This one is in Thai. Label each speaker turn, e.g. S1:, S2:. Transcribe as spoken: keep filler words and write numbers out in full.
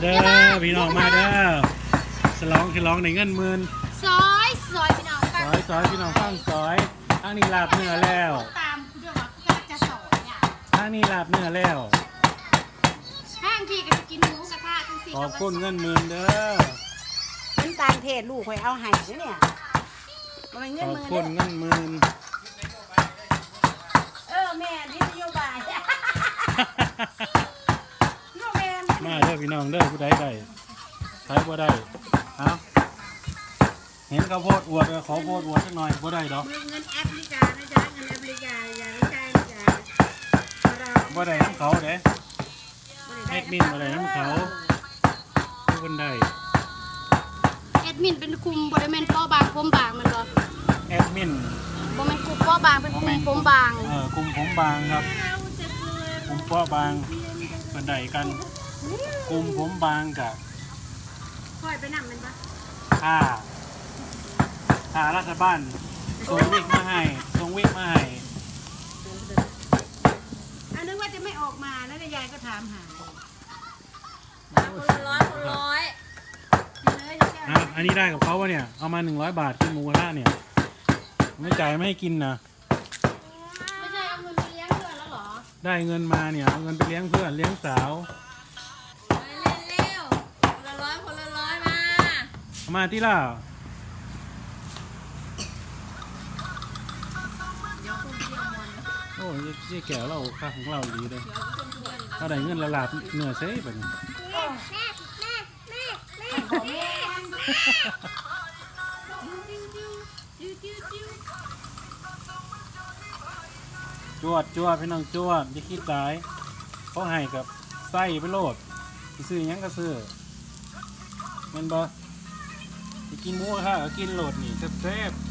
S1: เด้อพี่น้องมาเด้อฉลองฉลองในเงินหมื่น
S2: ซอยซอยพี่น้อง
S1: ซอยซอยพี่น้องฟังซอยอันนี้ลาบเนื้อแล้ว
S2: ตามคุณด้วยว่าก็จะสอนเนี่ย
S1: อันนี้ลาบเนื้อแล้ว
S2: ห้างพี่ก็จะกินหมูกระทะทั้งสี่
S1: ขอบคุณเงินหมื่นเด้อ
S3: น้ำตาลเทศลูกคอยเอาให้เนี่ยมันเงิ
S1: ข
S3: น
S1: อบ
S3: มือ
S1: คุณเงินหมื่น
S3: เออแม่นี่นโยบายน้องแม่
S1: มาเด้อพี่น้องเด้อผู้ใดได้ใครบ่ได้เอาเห็นข้าวโพดอวดขอโพดอวดสักหน่อยบ่ได้ดอก
S3: เงินแอฟริกานะจ๊ะเงินแอฟริกาอย่าไม่ใช่นะจ๊ะ
S1: บ่ได้น้ำเขาเด้แอดมินบ่ได้น้ำเขาผู้คนได้
S2: แอดมินเป็นคุมบริเวณป้อบางผมบางมันบ่
S1: แอดมิน
S2: บ่แม่นคุมป้อบางเป็นคุมผมบาง
S1: เออกลุ่มผมบางครับกลุ่มป้อบางเป็นใดกันกลุ่มผมบางกับ
S3: คอยไปนำมันปะ
S1: ถ้าถ้ารัฐบาลส่งวิกมาให้ส่งวิกมาให้
S3: อันนึกว่าจะไม่ออกมาแล้วยายก็ถามหา
S2: คนละร้อยคนร้อย
S1: อ่ะอันนี้ได้กับเขาวะเนี่ยเอามาหนึ่งร้อยบาทกินหมูกระทะเนี่ยไม่จ่ายไม่ให้กินนะ
S2: ไม่ใช่เอาเงินไปเลี้ยงเพื่อนแล้วหรอ
S1: ได้เงินมาเนี่ยเอาเงินไปเลี้ยงเพื่อนเลี้ยงสาว
S2: เร็วๆคนละร้อยคนละร้อยมา
S1: เอามาที่ล่ะโอ้ยยี่แก่เราค่าของเราดีเลยเราได้เงินละลาบเหนือเซ่ไปเนี่ยจวดจวดพี่น้องจวดอย่าคิดตายเขาให้กับไส้ไปโลดซื้อยังก็ซื้อมันบ่จะกินหมูกระทะก็กินโลดนี่แซ่บๆ